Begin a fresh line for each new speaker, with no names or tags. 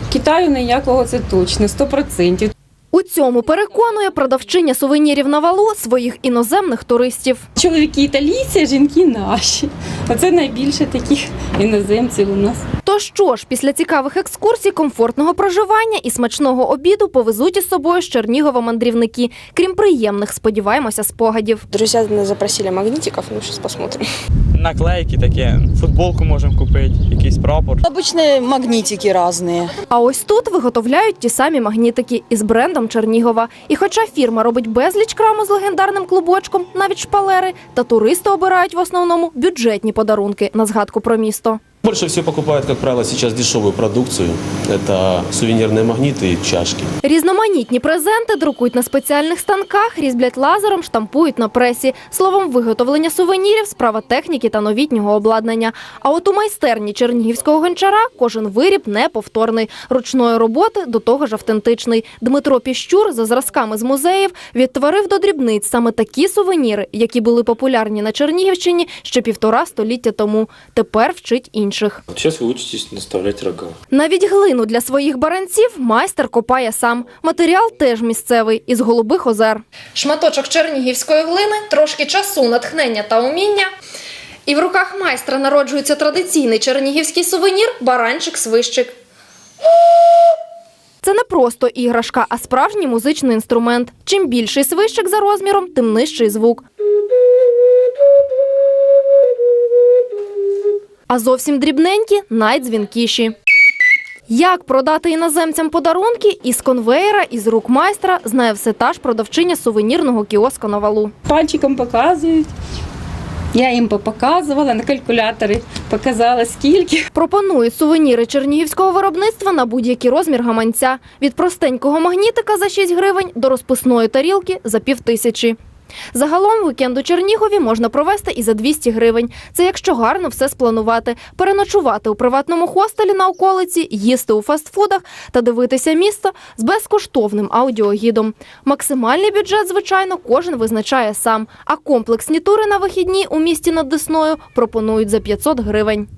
Китаю ніякого, це точно, 100%.
У цьому переконує продавчиня сувенірів на валу своїх іноземних туристів.
Чоловіки італійці, а жінки наші. Оце найбільше таких іноземців у нас.
То що ж, після цікавих екскурсій, комфортного проживання і смачного обіду повезуть із собою з Чернігова мандрівники. Крім приємних, сподіваємося, спогадів.
Друзья нас запросили магнитиков, ну сейчас посмотрим.
Наклейки такі, футболку можемо купити, якийсь прапор.
Обычные магнитики разные.
А ось тут виготовляють ті самі магнітики із брендом Чернігова. І хоча фірма робить безліч краму з легендарним клубочком, навіть шпалери, та туристи обирають в основному бюджетні подарунки на згадку про місто.
Больше всего покупают, как правило, сейчас дешевую продукцию. Это сувенирные магниты и чашки.
Різноманітні презенти друкують на спеціальних станках, різблять лазером, штампують на пресі. Словом, виготовлення сувенірів – справа техніки та новітнього обладнання. А от у майстерні чернігівського гончара кожен виріб неповторний. Ручної роботи до того ж автентичний. Дмитро Піщур за зразками з музеїв відтворив до дрібниць саме такі сувеніри, які були популярні на Чернігівщині ще 1,5 століття тому. Тепер вчить інших.
Сейчас вы учитесь наставлять рога.
Навіть глину для своїх баранців майстер копає сам. Матеріал теж місцевий, із Голубих озер. Шматочок чернігівської глини, трошки часу, натхнення та уміння. І в руках майстра народжується традиційний чернігівський сувенір – баранчик-свищик. Це не просто іграшка, а справжній музичний інструмент. Чим більший свищик за розміром, тим нижчий звук. А зовсім дрібненькі – найдзвінкіші. Як продати іноземцям подарунки із конвеєра, із рук майстра, знає все та ж продавчиня сувенірного кіоску на валу.
Пальчиком показують. Я їм показувала, на калькуляторі показала скільки.
Пропонують сувеніри чернігівського виробництва на будь-який розмір гаманця. Від простенького магнітика за 6 гривень до розписної тарілки за 5000. Загалом вікенд у Чернігові можна провести і за 200 гривень. Це якщо гарно все спланувати. Переночувати у приватному хостелі на околиці, їсти у фастфудах та дивитися місто з безкоштовним аудіогідом. Максимальний бюджет, звичайно, кожен визначає сам. А комплексні тури на вихідні у місті над Десною пропонують за 500 гривень.